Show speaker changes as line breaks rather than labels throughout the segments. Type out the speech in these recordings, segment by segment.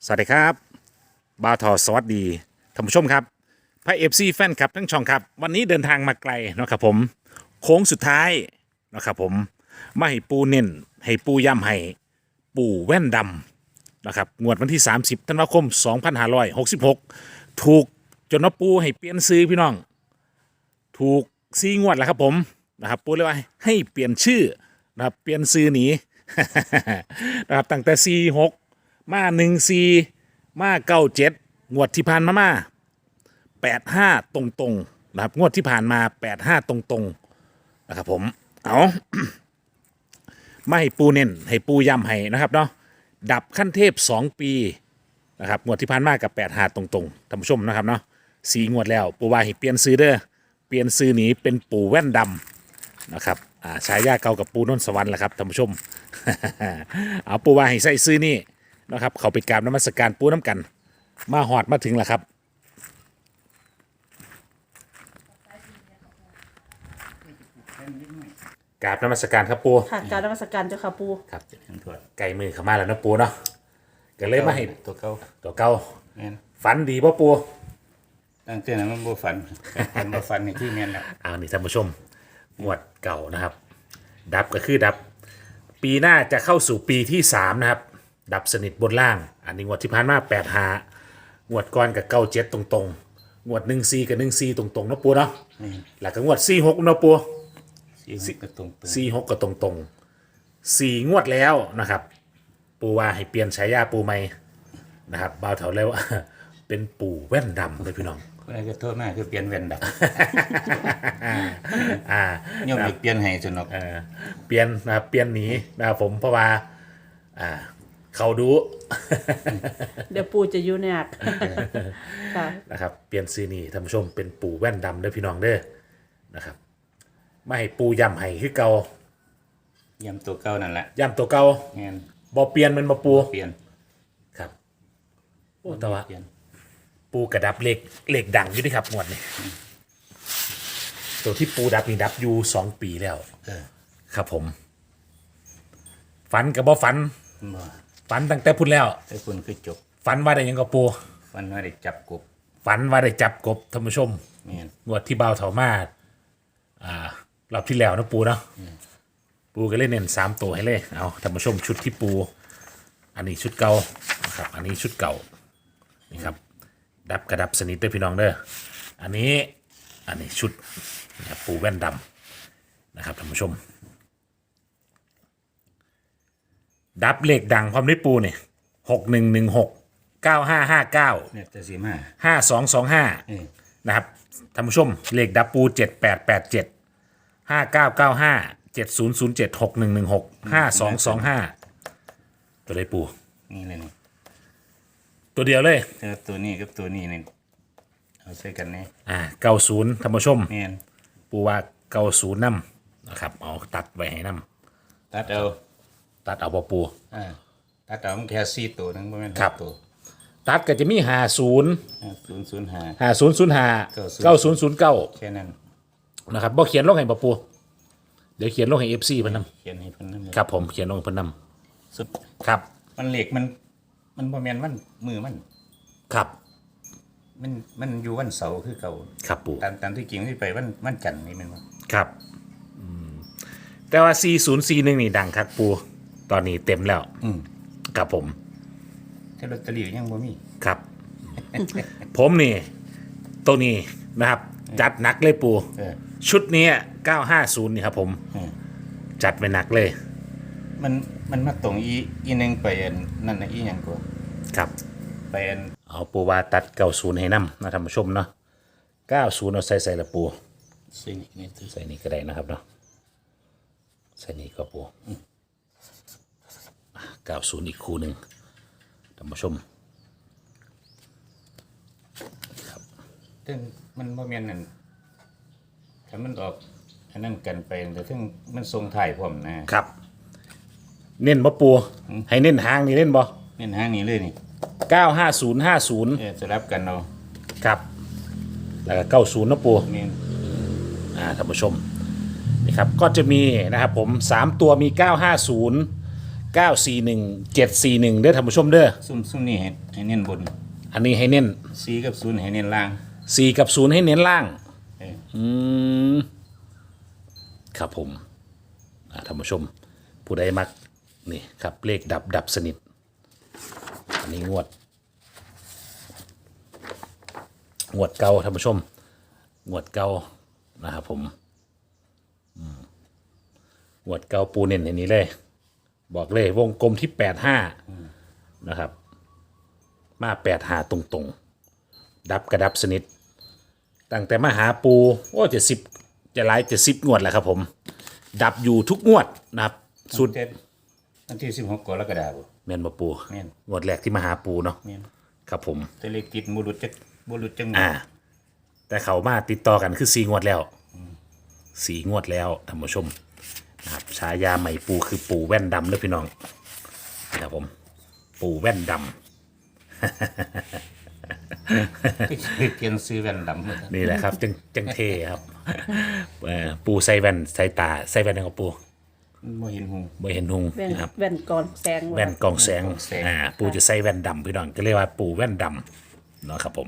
สวัสดีครับบาวทอสวัสดีท่านผู้ชมครับพระเอฟซีแฟนคลับทั้งช่องครับวันนี้เดินทางมาไกลเนาะครับผมโค้งสุดท้ายเนาะครับผมมาให้ปูเน้นให้ปูย้ำให้ปูแว่นดำนะครับงวดวันที่ 30 ธันวาคม 2566 ถูกจนว่าปูให้เปลี่ยนซื้อพี่น้องถูก4 งวดแล้วครับผมนะครับปูเลยว่าให้เปลี่ยนชื่อนะครับเปลี่ยนซื้อหนี นะครับตั้งแต่46มา14มา97งวดที่ผ่านมา85ตรงๆนะครับงวดที่ผ่านมา85ตรงๆนะครับผมเอาไม่ให้ปูเน้นให้ปูย้ำให้นะครับเนาะดับขั้นเทพ2 ปีนะครับงวดที่ผ่านมากับ85ตรงๆท่านผู้ชมนะครับเนาะ4 งวดแล้วปูว่าให้เปลี่ยนซื้อเด้อเปลี่ยนซื้อหนีเป็นปูแว่นดำนะครับฉายาเก่ากับปูนนท์สวรรค์แหละครับท่านผู้ชม เอาปูว่าให้ใส่ซื้อนี่นะครับเขาไปกราบนมัสการปูน้ำกันมาหอดมาถึงแล้วครับกราบนมัสการครับปู
ค่ะการนมัสการเจ้าค่ะปู
ครับไก่มือเข้ามาแล้วนะปูเนาะก็เลยมาให้
ตัวเก่า
ตัวเก่า
แม่น
ฝันดีป่ะปู
ตั้งแต่นั้นมันบ่ฝันบ่ฝันนี่ที่แม่นแล้ว
นี่ท่านผู้ชมงวดเก่านะครับดับก็คือดับปีหน้าจะเข้าสู่ปีที่3นะครับดับสนิทบนล่างอันนี้งวดที่ผ่านมา85งวดก่อนกับ97ตรงๆงวด14กับ14ตรงๆเนาะปูเนาะแล้วก็งวด46เนาะปู
46ก็ตรง
46ก็ตรงๆ4 งวดแล้วนะครับปูว่าให้เปลี่ยนฉายาปูใหม่นะครับบ่าวเถาแล้ว เป็นปู่แว่นดำเลยพี่น้อง
คนใดก็โทษมาคือเปลี่ยนแว่นดับ
อ่า
โยมอีกเปลี่ยนให้จนเนาะ
เปลี่ยนนะครับเปลี่ยนหนีนะครับผมเพราะว่าเขาดู
เดี๋ยวปูจะยุ่ยากค่ะ
นะครับเปลี่ยนซื้อนี่ท่านผู้ชมเป็นปู่แว่นดำเด้อพี่น้องเด้อนะครับไม่ให้ปูย้ำให้คือเก่า
ย้ำตัวเก่านั่นแหละ
ย้ำตัวเก่า
แม่น
บ่เปลี่ยนมันบ่ปู
เปลี่ยน
ครับโอ้แต่ว่าปูกระดับเหล็กดังอยู่ดิครับงวดนี้ตัวที่ปูดับนี่ดับอยู่2 ปีแล้วครับผมฝันกับบ่ฝันฝันตั้งแต่พุ่นแล้ว
แต่คุณคือจบ
ฝันว่าได้ยังกับปู
ฝันว่าได้จับกบ
ฝันว่าได้จับกบท่านผู้ชม
แม่น
งวดที่เบาเถามารอบที่แล้วนะปูเนาะปูก็เล่นเน้น3 ตัวให้เลยเอาท่านผู้ชมชุดที่ปูอันนี้ชุดเก่านะครับอันนี้ชุดเก่านี่ครับดับกระดับสนิทด้วยพี่น้องเด้ออันนี้ชุดปูแว่นดำนะครับท่านผู้ชมดับเลขดังความได้ปูเนี่ย6116 9559
เนี่ยแต่สิมา
5225นะครับท่านผู้ชมเลขดับปู7887 5995 7007 6116 5225ตัวได้ปู
นี่เลยนี่
ตัวเดียวเลย
ตัวนี้กับตัวนี้นี่เอาใส่กันนี่
90ท่านผู้ชม
แม่น
ปูว่า90นำนะครับเอาตัดไว้ให้นำ
ตัดเอา
บ่ปู
ตัดเอามันแค่4ตัวนึงบ่แม่นตัว
ตัดก็จะมี50
5005
5005 9009
แค่นั้น
นะครับบ่เขียนลงให้บ่ปูเดี๋ยวเขียนลงให้ FC เพิ่นนำ
เขียนให้เพิ่นนำ
ครับผมเขียนลงให้เพิ่นนำ
สุด
ครับ
มันเหล็กมันบ่แม่นวันมือมัน
ครับ
มันอยู่วันเสาร์คือเก่า
ครับปู
ตามที่จริงที่ไปวันจันทร์นี่แม่นบ่
ครับแต่ว่า4041นี่ดังครับปูตอนนี้เต็มแล้วครับผม
แต่ลอตเตอรี่ยังบ่มี
ครับ ผมนี่ตัวนี้นะครับจัดหนักเลยปูชุดนี้950นี่ครับผมจัดไปหนักเลย
มันมาตรงอีนึงไปนั่นน่ะอีหยังกว่า
ครับ
ไป
เอาปูว่าตัด90ให้นำนะท่านผู้ชมเนาะ90เอาใส่ละปูใส่นี่ก็ได้นะครับเนาะใส่นี่ก็ปู90อีกคู่หนึ่งท่านผู้ชม
ครับซึ่งมันบ่แม่นนั่นถ้ามันออกอันนั้นกันไปแต่ถึงมันทรงถ่ายพร้อม
นะครับเน้นบ่ปูให้เน้นหางนี่เน้นบ่
เน้นหางนี่เลยนี่
95050
สลับกันเอา
ครับแล้วก็90นะปู
แม่น
ท่านผู้ชมนี่ครับก็จะมีนะครับผม3 ตัวมี950 941 741เด้อท่านผู้ชมเด้อ
ซุ่มนี่ให้เน้นบน
อันนี้ให้เน้น
4กับ0ให้เน้นล่าง
4กับ0ให้เน้นล่าง
เออ
ครับผมท่านผู้ชม ผู้ใดมักนี่ครับเลขดับสนิท อันนี้งวดเก่าท่านผู้ชม งวดเก่านะครับผมงวดเก่าปูเน้นในนี้เลย บอกเลยวงกลมที่85นะครับ มา85ตรงๆ ดับกระดับสนิท ตั้งแต่มาหาปูโอ้จะหลาย70งวดแล้วครับผม ดับอยู่ทุกงวดนะครับสุด
วันที่16กรกฎาคม
แม่นบ่ปู
แม่น
งวดแรกที่มาหาปูเนาะ
แม่น
ครับผม
แต่เลขติดบ่หลุดจัง
แต่เขามาติดต่อกันคือ4งวดแล้ว4งวดแล้วท่านผู้ชมนะครับฉายาใหม่ปูคือปูแว่นดำเด้อพี่น้องนะครับผม ปูแว่นดำ
เทียนซื้อแว่นดำหมด
นี่แหละครับจังเทครับปูใส่แว่นใส่ตาใส่แว่นของปู
บ่เห็นหู
บ่เห็นหุง
แว่น
นะครับ
แว่นกรองแสง
แว่นกองแสง
กองแสง
ปูจะใส่แว่นดำพี่น้องก็เรียกว่าปูแว่นดำเนาะครับผม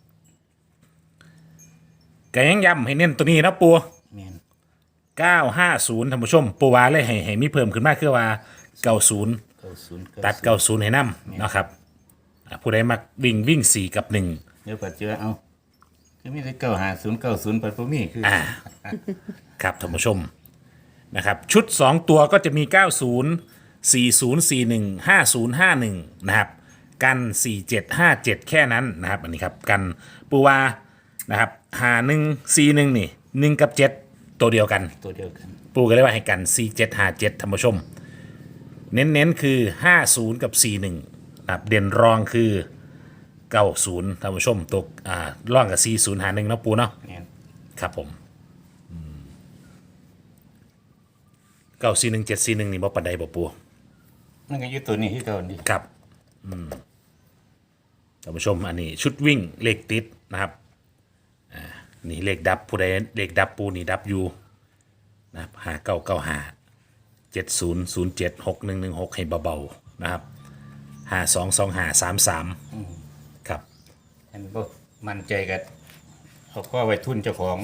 ก็ยังย้ำให้เน้นตัวนี้นะปู
แม่น
950ท่านผู้ชม ปูว่าเลยให้มีเพิ่มขึ้นมากคือว่า90
90
ตัด90ให้นำเนาะครับผู้ใดมักวิ่ง4กับ1
เดี๋ยวปัดเจอเอาคือมีแต่950 90ปัดบ่มีคือ
ครับท่านผู้ชมนะครับชุด 2 ตัวก็จะมี 90 4041 5051นะครับกัน 4757 แค่นั้นนะครับอันนี้ครับกันปูวานะครับ5141นี่1กับ7ตัวเดียวกัน
ตัวเดียวกัน
ปูก็เลยว่าให้กัน 4757ท่านผู้ชม เน้นคือ 50 กับ 41นะครับเด่นรองคือ 90ท่านผู้ชมตกร่องกับ 40 หา1เนาะปูเนาะ
แม่น
ครับผม941 741นี่บ่ปานใดบ่ปู
มันก็อยู่ตัวนี้คือเก่านี่
ครับท่านผู้ชมอันนี้ชุดวิ่งเลขติดนะครับนี่เลขดับผู้ใดเลขดับปูนี่ดับอยู่นะครับ5995 7007 6116ให้เบาๆนะครับ522533ครับ
อันบ่มั่นใจกันเขาก็ไว้ทุนเจ้าของ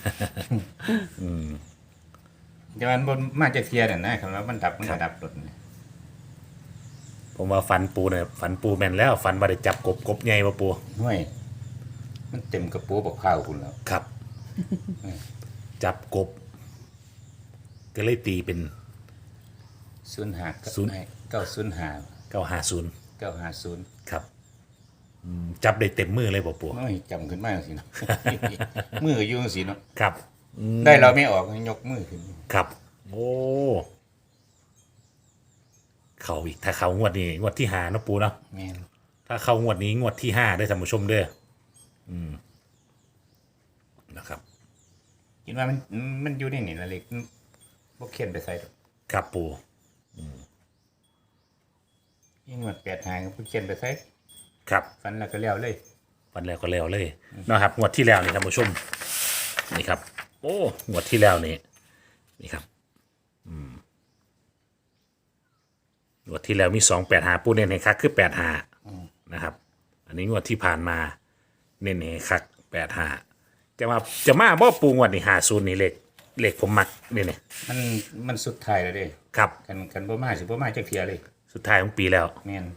แต่มันบ่มาจากเทียนั่นนะคำว่ามันดับมันก็ดับรถนี่
ผมว่าฟันปูเนี่ยฟันปูแม่นแล้วฟันว่าได้จับกบใหญ่มาปู
ห้วยมันเต็มกระปูบักข้าวคุณแล้ว
ครับ จับกบ ก็เลยตีเป็น
05
ศูนย์
905
950
950
ครับจับได้เต็มมือเลยบ่ปู
โอ้ยจำขึ้นมาจังซี่เนาะ มือก็อยู่จังซี่เนาะ
ครับ
ได้เราไม่ออกยกมือขึ้น
ครับ โอ้เขาอีกถ้าเขางวดนี้งวดที่5เนาะปูเนาะ
แม่น
ถ้าเขางวดนี้งวดที่5ได้ท่านผู้ชมเด้อนะครับ
คิดว่ามันอยู่ในนี่ละเล็กบ่เขียนไปใส่ดอก
ครับปู
ยิ่งมัน8หางก็บ่เขียนไปใส่
ครับ
ฟันแล้วก็แล้วเลย
วันแล้วก็แล้วเลยนะครับงวดที่แล้วนี่ท่านผู้ชมนี่ครับ โอ้งวดที่แล้วนี่ครับงวดที่แล้วมี285ปูเน้นให้คักคือ85นะครับ อันนี้งวดที่ผ่านมาเน้นให้คัก85จะมาบ่ปูงวดนี่50นี่เลขผมมักนี่
มันสุดท้ายแล้วเด้
ครับ
กันบ่มาสิบ่มาจักเที่ยเลย
สุดท้ายของปีแล้ว
แม่น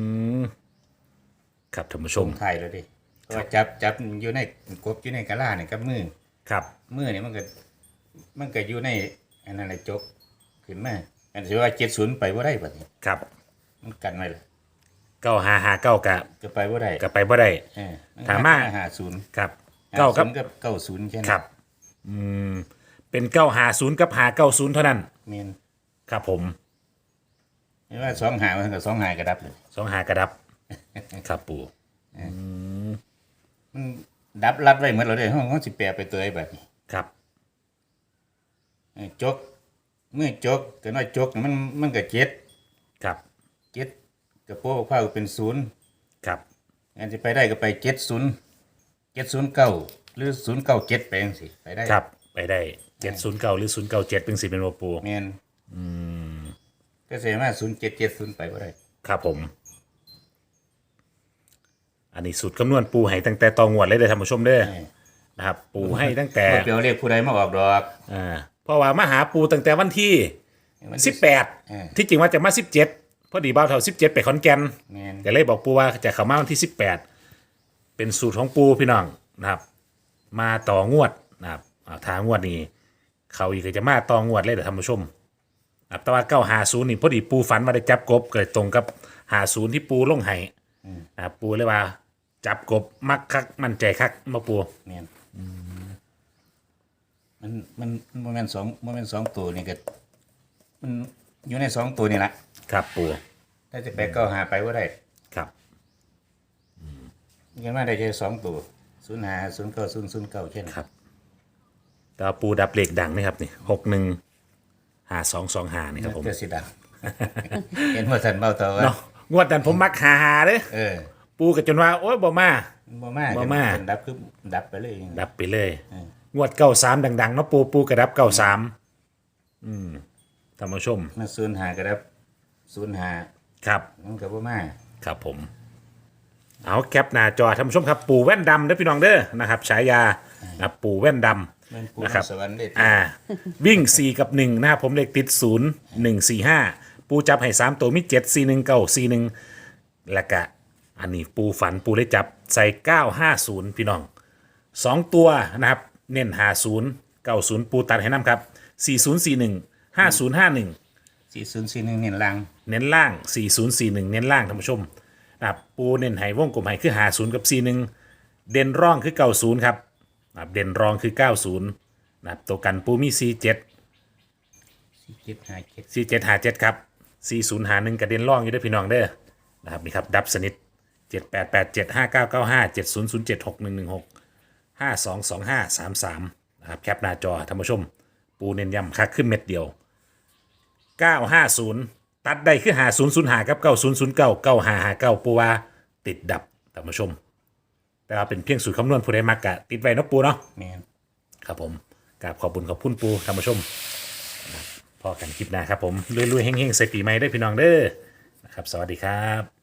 ครับท่านผู้ช
ส่
ม
งท้ายแล้วเด้เพราะว่าจับอยู่ในกบอยู่ในกะลาเนี่ยกับมือ
ครับ
มือนี่มันก็อยู่ในอันนั้นแหละจกขึ้นมาอันที่ว่า70ไปบ่ได้บัดนี้
ครับ
มันกันไว้ล่ะ
9559กะ
ก็ไปบ่ได้
กะไปบ่ได้
เออ
ถามมา
50
ครับเก้ากับ
กับ90แค่นั้น
ครับเป็น950กับ590เท่านั้น
แม่น
ครับผม
ไม่ว่า2หามันก็2หากระดับเลย
25กระดับ ครับปู่
มันดับรัดไว้หมดแล้วเด้ห้องสิแปลไปตัวไอ้บัดนี้
ครับ
จกเมื่อจกก็น้อยจกนี่มันก็7
ครับ
กระโปรงผ้าก็เป็น0
ครับ
อันที่ไปได้ก็ไป70 709หรือ097ไปจังซี่ไปได้
ครับไปได้709หรือ097เป็นสิเป็นบ่ปู่
แม่นก็เสียมา0770ไปบ่ได้
ครับผม อันนี้สูตรคำนวณปูให้ตั้งแต่ตองวดเลยเด้อท่านผู้ชมเด้อนะครับ ปูให้ตั้งแต่
บ่เปียวเรียกผู้ใดมาออกดอก
เพราะว่ามาหาปูตั้งแต่วันที่
วันที่
18ที่จริงว่าจะมา17พอดีบ่าวเฒ่า17ไปขอนแก่น
แม่น
ก็เลยบอกปูว่าจะเข้ามาวันที่18เป็นสูตรของปูพี่น้องนะครับ มาต่องวดนะครับทางงวดนี้เขาอีกก็จะมาต่องวดเลยเด้อท่านผู้ชมครับแต่ว่า950นี่พอดีปูฝันมาได้จับกบเกิดตรงกับ50ที่ปูลงให้นะครับปูเลยว่าจับกบมักคักมั่นใจคักมาปู
แม่นมันบ่แม่น2ตัวนี่ก็มันอยู่ใน2ตัวนี่ล่ะ
ครับปู
ถ้าจะไปก็หาไปบ่ได้
ครับ
ยังมาได้แค่2ตัว05 09 009แค่นั้น
ครับแต่ว่าปูดับเหล็กดังนะครับนี่615225นี่ครับผม
เจ้าสิดัง เห็นว่าท่านเบาเตาว่า
เนาะงวดนั้นผมมักหาเด้อ
เออ
ปูก็จนว่าโอ๊ยบ่มา
บ่มา
บ่มา
ดับคือดับไปเลย
ดับไปเลย งวด93ดังๆเนาะปูกระดับ93ท่านผู้ชม
มา05ก็ดับ05
ครับ
มันก็บ่มา
ครับผม เอาแคปหน้าจอท่านผู้ชมครับปูแว่นดำเด้อพี่น้องเด้อนะครับฉายานะครับปูแว่นดำ
มันปู
นะครับ
สวรรค์เด้
วิ่ง 4 กับ 1 นะครับผมเลขติด 0 1 4 5 ปูจับให้ 3 ตัวมี 7 4 1 9 4 1 แล้วก็อันนี้ปูฝันปูได้จับใส่ 950 พี่น้อง 2 ตัวนะครับ เน้น50 90 ปูตัดให้น้ำครับ 4041 5051
4041นี่ลัง
เน้นล่าง 4041 เน้นล่างท่านผู้ชมนะครับปูเน้นให้วงกลมให้คือ50กับ41เด่นร่องคือ90ครับนะครับเด่นรองคือ90นะครับตัวกันปูมี 47
4757
4757ครับ4051กระเด็นร่องอยู่ด้วยพี่น้องเด้อนะครับนี่ครับดับสนิท7887 5995 7007 6116 522533นะครับแคปหน้าจอท่านผู้ชม ปูเน้นย้ำคักขึ้นเม็ดเดียว 950 ตัดได้คือ5005กับ9009 9559ปูว่าติดดับท่านผู้ชม แต่ว่าเป็นเพียงสูตรคำนวณผู้ใดมักกะติดไว้เนาะปูเนาะ
แม่น
ครับผมกราบขอบคุญขอบคุณปูท่านผู้ชมพอกันคลิปหน้าครับผมรวยๆเฮงๆใส่ปีใหม่ได้อพี่น้องเด้อนะครับสวัสดีครับ